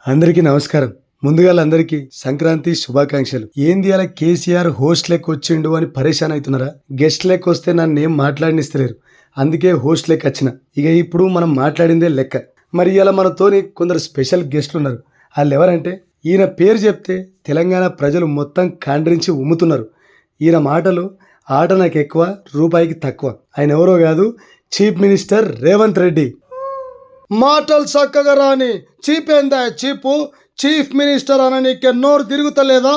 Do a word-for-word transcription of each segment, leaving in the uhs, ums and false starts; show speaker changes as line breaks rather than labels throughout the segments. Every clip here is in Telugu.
అందరికీ నమస్కారం. ముందుగా అందరికీ సంక్రాంతి శుభాకాంక్షలు. ఏంది అలా కేసీఆర్ హోస్ట్ లెక్క వచ్చిండు అని పరేషాన్ అవుతున్నారా? గెస్ట్ లెక్క వస్తే నన్ను ఏం మాట్లాడనిస్తలేరు, అందుకే హోస్ట్ లెక్క వచ్చిన. ఇక ఇప్పుడు మనం మాట్లాడిందే లెక్క. మరి ఇలా మనతోని కొందరు స్పెషల్ గెస్ట్లు ఉన్నారు. వాళ్ళు ఎవరంటే, ఈయన పేరు చెప్తే తెలంగాణ ప్రజలు మొత్తం కాండ్రించి ఉమ్ముతున్నారు. ఈయన మాటలు ఆట నాకు ఎక్కువ, రూపాయికి తక్కువ. ఆయన ఎవరో కాదు, చీఫ్ మినిస్టర్ రేవంత్ రెడ్డి. మాటలు చక్కగా రాని చీపేందా చీపు, చీఫ్ మినిస్టర్ అన నీకే నోరు తిరుగుతలేదా?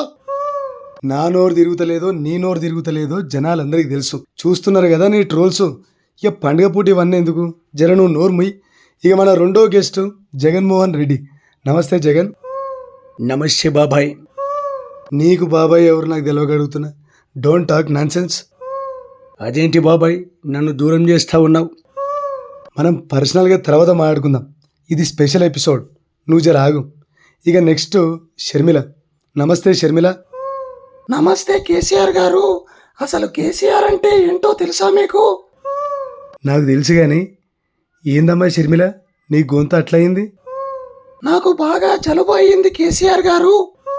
నా నోరు తిరుగుతలేదో నీ నోరు తిరుగుతలేదో జనాలందరికీ తెలుసు. చూస్తున్నారు కదా నీ ట్రోల్స్. ఇక పండుగ పూట ఇవన్నీ ఎందుకు, జర నువ్వు నోరు ముయ్. ఇక మన రెండో గెస్ట్ జగన్మోహన్ రెడ్డి. నమస్తే జగన్.
నమస్తే బాబాయ్.
నీకు బాబాయ్ ఎవరు నాకు తెలియగలుగుతున్నా. Don't talk nonsense.
అదేంటి బాబాయ్ నన్ను దూరం చేస్తా ఉన్నావు?
మనం పర్సనల్గా తర్వాత మాట్లాడుకుందాం. ఇది స్పెషల్ ఎపిసోడ్, నువ్వు జర ఆగు. ఇక నెక్స్ట్ షర్మిల. నమస్తే షర్మిల.
నమస్తే కేసీఆర్ గారు. అసలు కేసీఆర్ అంటే ఏంటో తెలుసా మీకు?
నాకు తెలుసు కానీ ఏందమ్మా షర్మిల, నీ గొంతు అట్లయింది?
నాకు బాగా జలుబు అయ్యింది కేసీఆర్ గారు.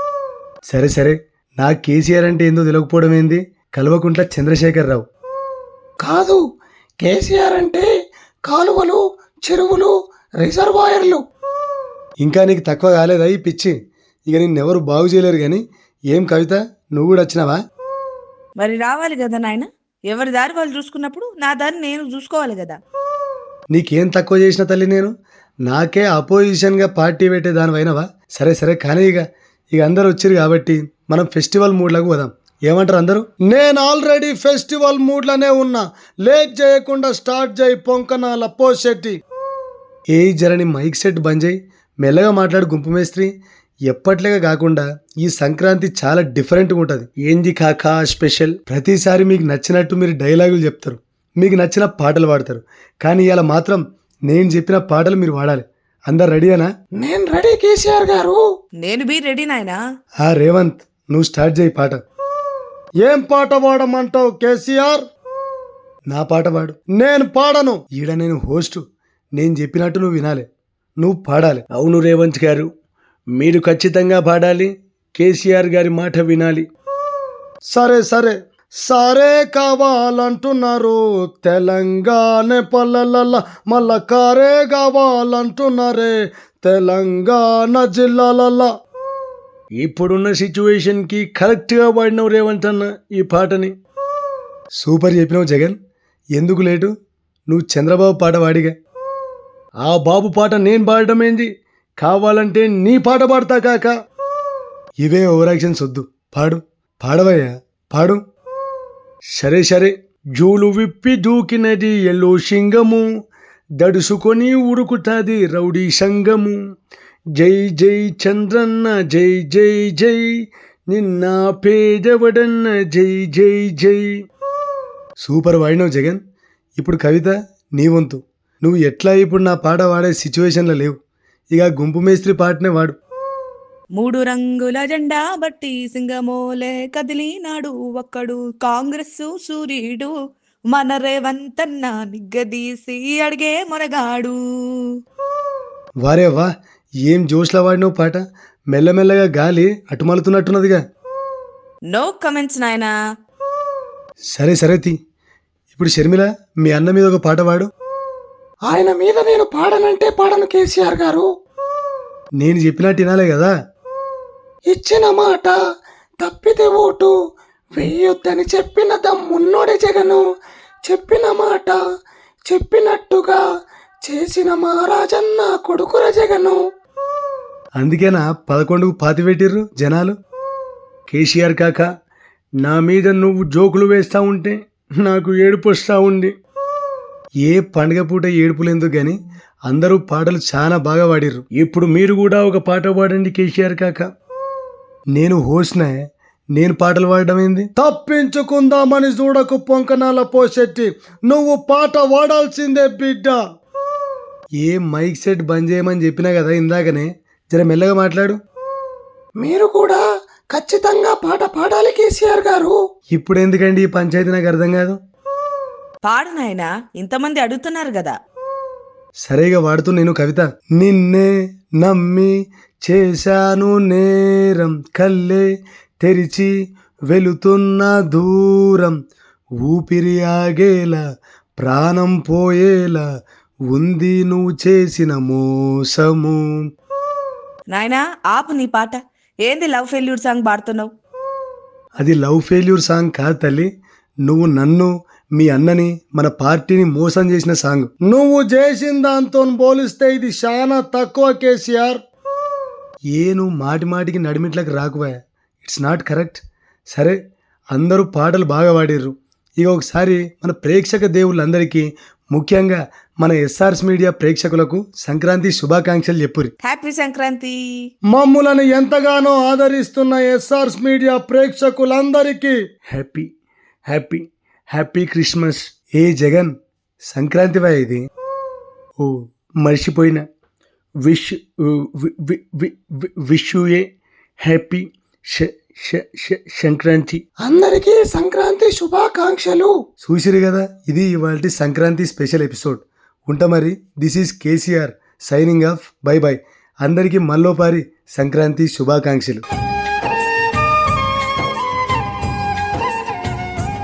సరే సరే, నాకు కేసీఆర్ అంటే ఏందో తెలియకపోవడం ఏంది? కల్వకుంట్ల చంద్రశేఖరరావు
కాదు, కేసీఆర్ అంటే కాలువలు, చెరువులు, రిజర్వాయర్లు.
ఇంకా నీకు తక్కువ కాలేదా ఈ పిచ్చి? ఇక నిన్నెవరు బాగు చేయలేరు. కానీ ఏం కవిత, నువ్వు కూడా వచ్చినావా?
మరి రావాలి కదా నాయన. ఎవరి దారి వాళ్ళు చూసుకున్నప్పుడు నా దారి నేను చూసుకోవాలి కదా.
నీకేం తక్కువ చేసిన తల్లి నేను? నాకే అపోజిషన్గా పార్టీ పెట్టే దానివైనవా? సరే సరే, కానీ ఇక ఇక అందరు వచ్చారు కాబట్టి మనం ఫెస్టివల్ మూడ్లకు పోదాం. ఏమంటారు అందరూ? నేను ఆల్రెడీ ఫెస్టివల్ మూడ్లోనే ఉన్నా. లేట్ చేయకుండా స్టార్ట్ చేయి పొంకనాల పోషెట్టి. ఏ జరని మైక్ సెట్ బంద్ చేయి, మెల్లగా మాట్లాడు గుంపు మేస్త్రి. ఎప్పట్లేగా కాకుండా ఈ సంక్రాంతి చాలా డిఫరెంట్గా ఉంటుంది.
ఏంది కాకా స్పెషల్?
ప్రతిసారి మీకు నచ్చినట్టు మీరు డైలాగులు చెప్తారు, మీకు నచ్చిన పాటలు పాడతారు. కానీ ఇలా మాత్రం నేను చెప్పిన పాటలు మీరు వాడాలి. అందరు రెడీనా?
నేను రెడీ కేసీఆర్ గారు.
నేను బీ రెడీ నాయనా.
ఆ రేవంత్, నువ్వు స్టార్ట్ చేయి పాట.
ఏం పాట పాడమంటావు కేసీఆర్?
నా పాట పాడు.
నేను పాడను.
ఈడ నేను హోస్ట్, నేను చెప్పినట్టు నువ్వు వినాలి, నువ్వు పాడాలి.
అవును రేవంత్ గారు, మీరు ఖచ్చితంగా పాడాలి, కేసీఆర్ గారి మాట వినాలి.
సరే సరే. సరే కావాలంటున్నారు తెలంగాణ పల్లెల, మళ్ళా కారే కావాలంటున్నారే తెలంగాణ జిల్లాలల్లా.
ఇప్పుడున్న సిచ్యువేషన్కి కరెక్ట్గా పాడినావు రేవంత్ అన్న ఈ పాటని.
సూపర్ చెప్పినావు జగన్. ఎందుకు లేటు, నువ్వు చంద్రబాబు పాట వాడిగా.
ఆ బాబు పాట నేను పాడడం ఏంది? కావాలంటే నీ పాట పాడతా కాక.
ఇవే ఓవర్ యాక్షన్స్ వద్దు, పాడు. పాడవయ్యా, పాడు.
సరే సరే. జూలు విప్పి దూకినది ఎల్లో సింగము, దడుసుకొని ఉరుకుతాది రౌడీ సంగము. జై జై చంద్రన్న జై జై జై, నిన్న పేదవడన్న జై జై జై.
సూపర్ వాడినావు జగన్. ఇప్పుడు కవిత, నీ వంతు. నువ్వు ఎట్లా ఇప్పుడు నా పాట వాడే సిచ్యువేషన్లో లేవు. ఇక గుంపు మేస్త్రి పాటనే వాడు.
మూడు రంగుల జెండా బట్టి సింగమోలే కదిలినాడు ఒక్కడు, కాంగ్రెస్ సూర్యుడు మన రేవంతన్న నిగ్గదీసి అడిగే మొరగాడు.
వారే వా, ఏం జోష్లా వాడినావు పాట. మెల్లమెల్లగా గాలి అటుమలుతున్నట్టున్నదిగా.
నో కమెంట్స్ నాయనా.
సరే సరే తీ. ఇప్పుడు షర్మిల, మీ అన్న మీద ఒక పాట పాడు.
ఆయన మీద నేను పాడనంటే పాడను కేసీఆర్ గారు.
నేను చెప్పినట్టు వినాలే కదా.
ఇచ్చిన మాట తప్పితే ఓటు వెయ్యొద్దని చెప్పిన దమ్మున్నోడే జగను. చెప్పిన మాట చెప్పినట్టుగా చేసిన మహారాజన్న కొడుకుర జగను.
అందుకేనా పదకొండుకు పాతి పెట్టిర్రు జనాలు.
కేసీఆర్ కాక, నా మీద నువ్వు జోకులు వేస్తూ ఉంటే నాకు ఏడుపు వస్తూ ఉంది.
ఏ పండుగ పూట ఏడుపులేందుకు కానీ అందరూ పాటలు చాలా బాగా పాడిర్రు.
ఇప్పుడు మీరు కూడా ఒక పాట పాడండి కేసీఆర్ కాక.
నేను హోస్ట్నే, నేను పాటలు పాడడం ఏంది?
తప్పించుకుందామని చూడకు పొంకనాల పోషెట్టి, నువ్వు పాట వాడాల్సిందే బిడ్డ.
ఏ మైక్ సెట్ బంద్ చేయమని చెప్పినా కదా ఇందాకనే. జర మెల్లగా మాట్లాడు.
మీరు కూడా ఖచ్చితంగా పాట పాడాలి కేసీఆర్ గారు.
ఇప్పుడు ఎందుకండి ఈ పంచాయతీ, నాకు అర్థం కాదు.
పాడు నాయనా, ఇంతమంది అడుగుతున్నారు కదా.
సరేగా వాడుతూ నేను కవిత. నిన్నే నమ్మి చేశాను నేరం, కల్లే తెరిచి వెళుతున్న దూరం, ఊపిరి ఆగేలా ప్రాణం పోయేలా ఉంది నువ్వు చేసిన మోసము.
నాయనా ఆపు నీ పాట. ఏంది లవ్ ఫెయిల్యూర్ సాంగ్ పాడుతున్నావు?
అది లవ్ ఫెయిల్యూర్ సాంగ్ కాదు తల్లి, నువ్వు నన్ను మీ అన్నని మన పార్టీని మోసం చేసిన సాంగ్.
నువ్వు చేసిన దాంతో పోలిస్తే ఇది చాలా తక్కువ కేసీఆర్.
ఏ నువ్వు మాటి మాటికి నడిమిట్లకు రాకువా, ఇట్స్ నాట్ కరెక్ట్. సరే అందరూ పాటలు బాగా పాడిర్రు, ఇక ఒకసారి మన ప్రేక్షక దేవుళ్ళందరికీ ముఖ్యంగా మన ఎస్ఆర్స్ మీడియా ప్రేక్షకులకు సంక్రాంతి శుభాకాంక్షలు చెప్పురి.
హ్యాపీ సంక్రాంతి.
మమ్ములను ఎంతగానో ఆదరిస్తున్న ఎస్ఆర్స్ మీడియా ప్రేక్షకులందరికీ
హ్యాపీ హ్యాపీ హ్యాపీ క్రిస్మస్. ఏ జగన్ సంక్రాంతి వా ఇది? ఓ మర్చిపోయినా. Wish wish you a happy Sankranti.
అందరికీ సంక్రాంతి శుభాకాంక్షలు.
చూసిరు కదా, ఇది ఇవాళ సంక్రాంతి స్పెషల్ ఎపిసోడ్. ఉంటా మరి. This is KCR signing off. Bye bye. అందరికీ మళ్ళోపారి సంక్రాంతి శుభాకాంక్షలు.